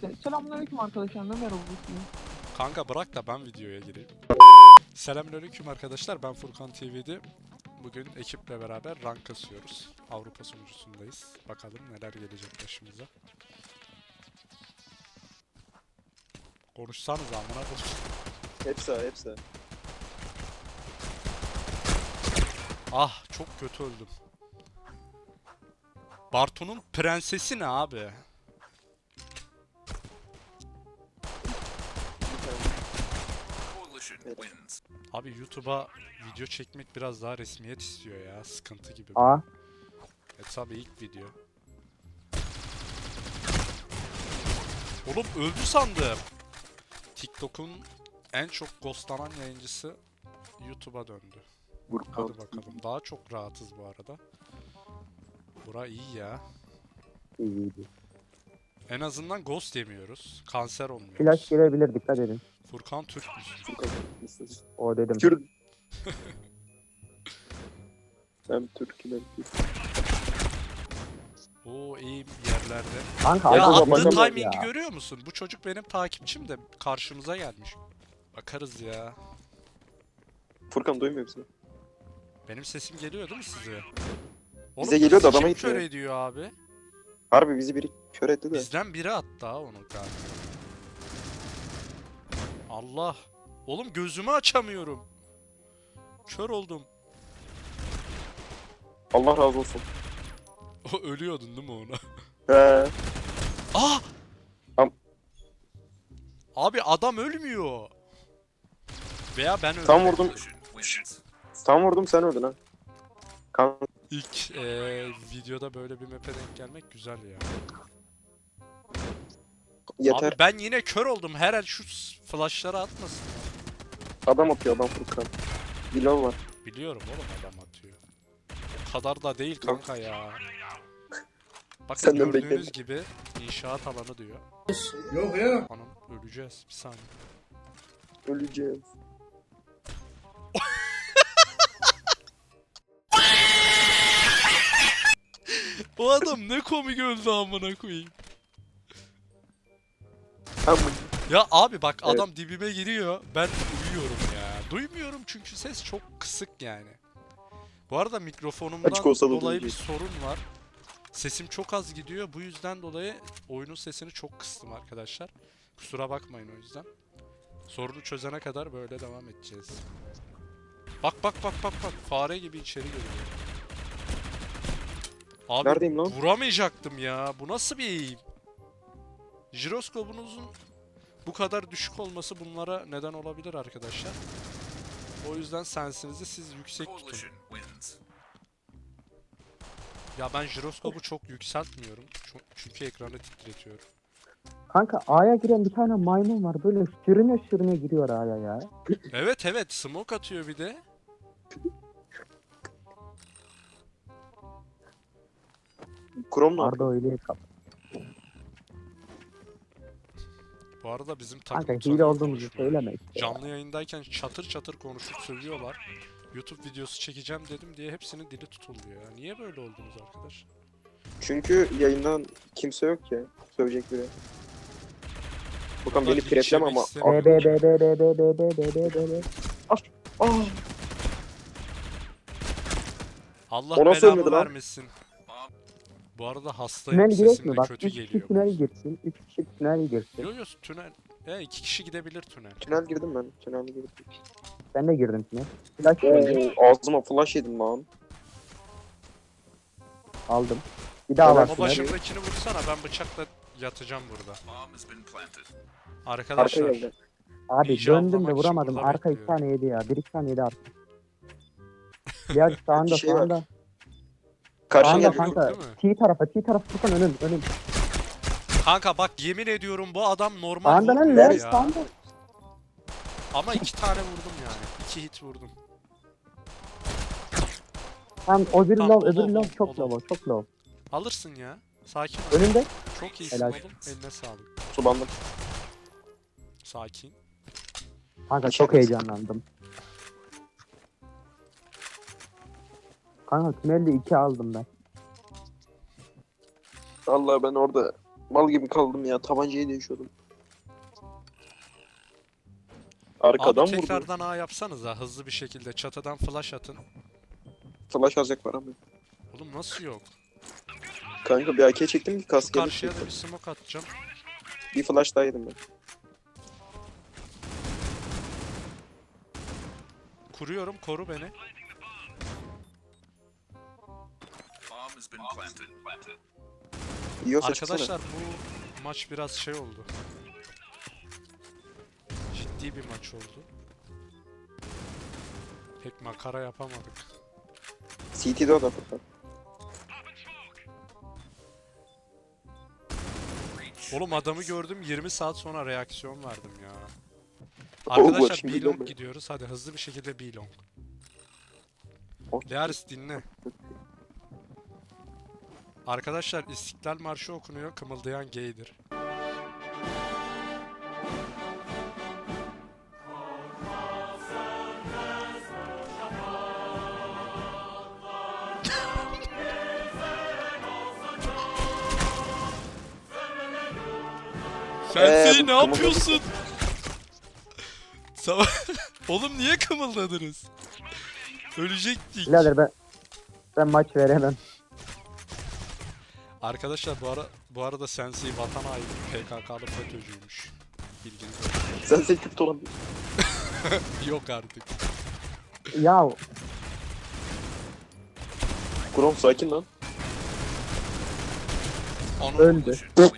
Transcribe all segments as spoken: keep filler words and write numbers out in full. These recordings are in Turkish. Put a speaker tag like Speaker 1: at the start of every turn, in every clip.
Speaker 1: işte. Selamünaleyküm arkadaşlar. Ne merhaba.
Speaker 2: Kanka bırak da ben videoya gireyim. Selamünaleyküm arkadaşlar, ben Furkan T V'de. Bugün ekiple beraber rank kasıyoruz. Avrupa sunucusundayız. Bakalım neler gelecek başımıza. Konuşsanız amına koyayım.
Speaker 3: Hepsi hepsi.
Speaker 2: Ah, çok kötü öldüm. Bartu'nun prensesi ne abi? Abi YouTube'a video çekmek biraz daha resmiyet istiyor ya. Sıkıntı gibi.
Speaker 4: Aa.
Speaker 2: E tabi ilk video. Oğlum öldü sandım. TikTok'un en çok ghostlanan yayıncısı YouTube'a döndü. Hadi bakalım. Daha çok rahatız bu arada. Bura iyi ya.
Speaker 4: İyiydi.
Speaker 2: En azından ghost yemiyoruz. Kanser olmuyoruz.
Speaker 4: Flash gelebilir, dikkat edin.
Speaker 2: Furkan Türk müsün?
Speaker 4: O dedim.
Speaker 3: Kürt. Hem Türk'üm hem Kürt.
Speaker 2: Oo, iyi yerlerde.
Speaker 4: Kanka
Speaker 2: Ya
Speaker 4: acaba
Speaker 2: attığı
Speaker 4: bakalım
Speaker 2: timing'i
Speaker 4: ya.
Speaker 2: görüyor musun? Bu çocuk benim takipçim de karşımıza gelmiş. Bakarız ya.
Speaker 3: Furkan duymuyor musun?
Speaker 2: Benim sesim geliyor değil mi size? Oğlum,
Speaker 3: Bize geliyor da
Speaker 2: bizi
Speaker 3: adama
Speaker 2: kim
Speaker 3: gitmiyor.
Speaker 2: kör ediyor abi?
Speaker 3: Harbi bizi biri kör etti de.
Speaker 2: Bizden biri attı ha onu galiba. Allah. Oğlum gözümü açamıyorum. Kör oldum.
Speaker 3: Allah razı olsun.
Speaker 2: O ölüyordun değil mi ona?
Speaker 3: He.
Speaker 2: Ah!
Speaker 3: Am-
Speaker 2: Abi adam ölmüyor. Veya ben öldüm.
Speaker 3: Tam vurdum. Tam vurdum sen öldün ha. Kan
Speaker 2: İlk eee, videoda böyle bir map'e denk gelmek güzel ya.
Speaker 3: yeter.
Speaker 2: Abi ben yine kör oldum. Her el şu s- flashları atmasın.
Speaker 3: Adam atıyor adam Furkan. Bilal var.
Speaker 2: Biliyorum oğlum adam atıyor. O kadar da değil kanka ya. Bakın
Speaker 3: Senden
Speaker 2: gördüğünüz
Speaker 3: bekledim.
Speaker 2: gibi inşaat alanı diyor.
Speaker 5: Yok ya.
Speaker 2: Anam öleceğiz bir saniye.
Speaker 3: Öleceğiz.
Speaker 2: O adam ne komik öldü amına koyayım.
Speaker 3: Tamam.
Speaker 2: Ya abi bak
Speaker 3: Evet.
Speaker 2: adam dibime giriyor. Ben uyuyorum ya. Duymuyorum çünkü ses çok kısık yani. Bu arada mikrofonumdan
Speaker 3: Açık olsa da
Speaker 2: dolayı bir
Speaker 3: duyacak.
Speaker 2: sorun var. Sesim çok az gidiyor. Bu yüzden dolayı oyunun sesini çok kıstım arkadaşlar. Kusura bakmayın o yüzden. Sorunu çözene kadar böyle devam edeceğiz. Bak bak bak bak bak. Fare gibi içeri giriyor. Abi
Speaker 3: Neredeyim lan?
Speaker 2: vuramayacaktım ya. Bu nasıl bir eğim? Jiroskopunuzun bu kadar düşük olması bunlara neden olabilir arkadaşlar. O yüzden sensinizi siz yüksek tutun. Ya ben jiroskopu çok yükseltmiyorum. Ço- Çünkü ekranı titretiyorum.
Speaker 4: Kanka A'ya giren bir tane maymun var, böyle sürüne sürüne giriyor A'ya ya.
Speaker 2: Evet evet, smoke atıyor bir de.
Speaker 3: Krom ne
Speaker 4: Arda
Speaker 3: yapıyor?
Speaker 4: öyle kap.
Speaker 2: Bu arada bizim takım
Speaker 4: Kanka
Speaker 2: tanıyor
Speaker 4: hile olduğumuzu
Speaker 2: konuşmuyor.
Speaker 4: söyleme işte.
Speaker 2: Canlı yayındayken çatır çatır konuşup sövüyorlar. YouTube videosu çekeceğim dedim diye hepsinin dili tutuldu ya. Niye böyle oldunuz arkadaş?
Speaker 3: Çünkü yayından kimse yok ya. Sövecek biri. Furkan
Speaker 2: Burada
Speaker 3: beni
Speaker 2: linç
Speaker 3: piretleme
Speaker 2: yemek
Speaker 3: ama.
Speaker 2: istemiyorum.
Speaker 4: B B B B B B B B B B B.
Speaker 3: Aa,
Speaker 2: Allah
Speaker 3: O nasıl
Speaker 2: belamı
Speaker 3: ölmedi lan?
Speaker 2: vermesin. Bu arada hastayım.
Speaker 4: Tünel girek
Speaker 2: Sesim
Speaker 4: mi?
Speaker 2: de
Speaker 4: Bak
Speaker 2: kötü
Speaker 4: üç kişi
Speaker 2: geliyor.
Speaker 4: tünel girsin. üç kişi tünel girsin.
Speaker 2: Yo yo, tünel. Ya iki kişi gidebilir tünel.
Speaker 3: tünel girdim ben. Tünel girdim.
Speaker 4: Ben de girdim tünel. Flash geldi.
Speaker 3: Oo, ağzıma flash yedim lan.
Speaker 4: Aldım. Bir daha var
Speaker 2: Ama
Speaker 4: tünel.
Speaker 2: başımdakini vursana, ben bıçakla yatacağım burada.
Speaker 3: Arka
Speaker 2: Arkadaşlar
Speaker 3: geldi.
Speaker 4: Abi
Speaker 2: ninja
Speaker 4: döndüm de
Speaker 2: avlamak için
Speaker 4: vuramadım.
Speaker 2: burada
Speaker 4: Arka iki
Speaker 2: bekliyorum.
Speaker 4: tane yedi ya. Bir iki tane yedi arka. Ya sağında
Speaker 3: şey var.
Speaker 4: sağında.
Speaker 3: Karşına
Speaker 4: Sağında
Speaker 3: geldi.
Speaker 2: yok
Speaker 4: kanka.
Speaker 2: değil mi?
Speaker 4: T tarafa T tarafı Furkan önüm önüm.
Speaker 2: kanka bak yemin ediyorum bu adam normal
Speaker 4: Sağında lan
Speaker 2: vurmuyor
Speaker 4: ne?
Speaker 2: ya.
Speaker 4: Sağında.
Speaker 2: Ama iki tane vurdum yani. İki hit vurdum.
Speaker 4: Tam o bir
Speaker 2: Tamam,
Speaker 4: low
Speaker 2: o
Speaker 4: öbür
Speaker 2: low,
Speaker 4: low
Speaker 2: o
Speaker 4: çok
Speaker 2: low.
Speaker 4: low çok low.
Speaker 2: Alırsın ya. Sakin ol.
Speaker 4: Önünde.
Speaker 2: Çok iyisin
Speaker 4: Helal.
Speaker 2: oğlum. Eline sağlık.
Speaker 3: Sulandım.
Speaker 2: Sakin.
Speaker 4: Kanka
Speaker 3: İçeri
Speaker 4: çok heyecanlandım. Kanka tünelde iki aldım ben.
Speaker 3: Allah ben orada Mal gibi kaldım ya. Tabancayı değişiyordum. Arkadan
Speaker 2: Abi
Speaker 3: vurdu.
Speaker 2: tekrardan A yapsanız ha hızlı bir şekilde. Çatıdan flash atın.
Speaker 3: Flash alacak var ama.
Speaker 2: Oğlum nasıl yok?
Speaker 3: Kanka bir A K çektim ki
Speaker 2: Şu
Speaker 3: kask
Speaker 2: karşıya
Speaker 3: gelir.
Speaker 2: da bir smoke atacağım.
Speaker 3: Bir flash daha yedim ben.
Speaker 2: Kuruyorum, koru beni.
Speaker 3: Yiyorsa çıksana.
Speaker 2: Arkadaşlar bu maç biraz şey oldu. Ciddi bir maç oldu. Pek makara yapamadık.
Speaker 3: C T'de o da Furkan.
Speaker 2: Oğlum adamı gördüm yirmi saat sonra reaksiyon verdim ya.
Speaker 3: Oo,
Speaker 2: Arkadaşlar
Speaker 3: şimdi
Speaker 2: B-Long
Speaker 3: görme.
Speaker 2: gidiyoruz. Hadi hızlı bir şekilde B-Long.
Speaker 3: Oh.
Speaker 2: Learis dinle. Arkadaşlar İstiklal Marşı okunuyor. Kımıldayan gaydir. Sensei
Speaker 3: Ee, bu
Speaker 2: ne
Speaker 3: kımıldadı.
Speaker 2: yapıyorsun? Sabah... Oğlum niye kımıldadınız? Ölecektik.
Speaker 4: Birader ben ben maç veremem.
Speaker 2: Arkadaşlar bu ara bu arada Sensei vatan haini P K K'lı FETÖ'cüymüş. Bilginiz olsun.
Speaker 3: Sen sen kötü olan.
Speaker 2: Yok artık.
Speaker 4: Ya
Speaker 3: Krom sakin lan.
Speaker 2: Anam.
Speaker 4: öldü.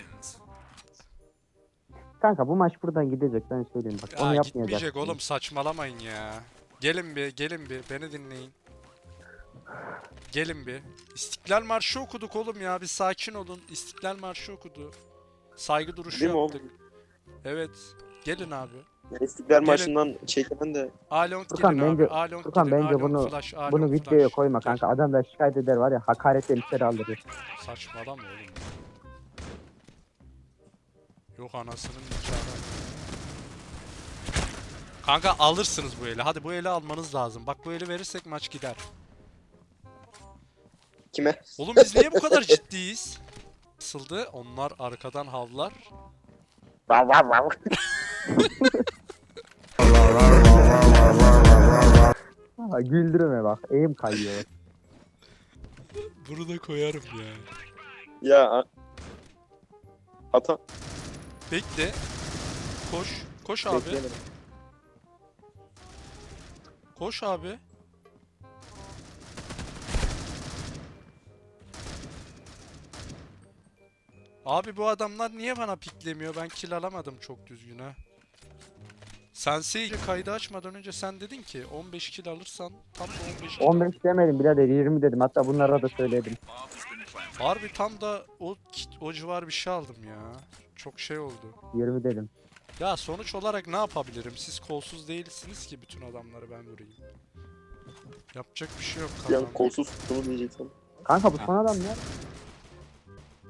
Speaker 4: Kanka bu maç buradan gidecek ben söyleyeyim bak. Onu
Speaker 2: Aa,
Speaker 4: yapmayacak.
Speaker 2: gitmeyecek oğlum saçmalamayın ya. Gelin bir gelin bir beni dinleyin. Gelin bir. İstiklal Marşı okuduk oğlum ya bir sakin olun. İstiklal Marşı okudu. Saygı duruşu
Speaker 3: Değil mi
Speaker 2: yaptık.
Speaker 3: oğlum?
Speaker 2: Evet. Gelin abi.
Speaker 3: Yani İstiklal
Speaker 2: Gelin.
Speaker 3: Marşı'ndan çekilen de
Speaker 2: Along
Speaker 4: Furkan,
Speaker 2: gidin abi.
Speaker 4: bence-
Speaker 2: Along
Speaker 4: Furkan,
Speaker 2: gidin.
Speaker 4: bence
Speaker 2: Along
Speaker 4: bunu-
Speaker 2: flash, Along
Speaker 4: Bunu videoya
Speaker 2: flash.
Speaker 4: koyma
Speaker 2: Gel.
Speaker 4: kanka. Adam da şikayet eder var ya, hakaret elbisleri aldırır.
Speaker 2: Saçmalama oğlum. Yok anasının nikahı. Kanka alırsınız bu eli. Hadi bu eli almanız lazım. Bak bu eli verirsek maç gider.
Speaker 3: kime?
Speaker 2: Oğlum biz niye bu kadar ciddiyiz? Nasıldı? Onlar arkadan havlar.
Speaker 3: Vav vav vav.
Speaker 4: Ha, güldürme bak. Eğim kayıyor.
Speaker 2: Bunu da koyarım ya.
Speaker 3: Ya. a- Ata.
Speaker 2: Bekle. Koş. Koş abi.
Speaker 3: Bekleyemedim.
Speaker 2: Koş abi. Abi bu adamlar niye bana piklemiyor? Ben kill alamadım çok düzgün ha. Sensei kaydı açmadan önce sen dedin ki on beş kill alırsan tam da on beş kill
Speaker 4: on beş demedim birader, yirmi dedim. Hatta bunlara da söyledim.
Speaker 2: Harbi tam da o o civar bir şey aldım ya. Çok şey oldu.
Speaker 4: yirmi dedim.
Speaker 2: Ya sonuç olarak ne yapabilirim? Siz kolsuz değilsiniz ki bütün adamları ben vurayım. Yapacak bir şey yok
Speaker 3: Bir an
Speaker 2: kazandım.
Speaker 3: kolsuz tuttuğunu diyeceksin.
Speaker 4: Kanka bu son adam ya.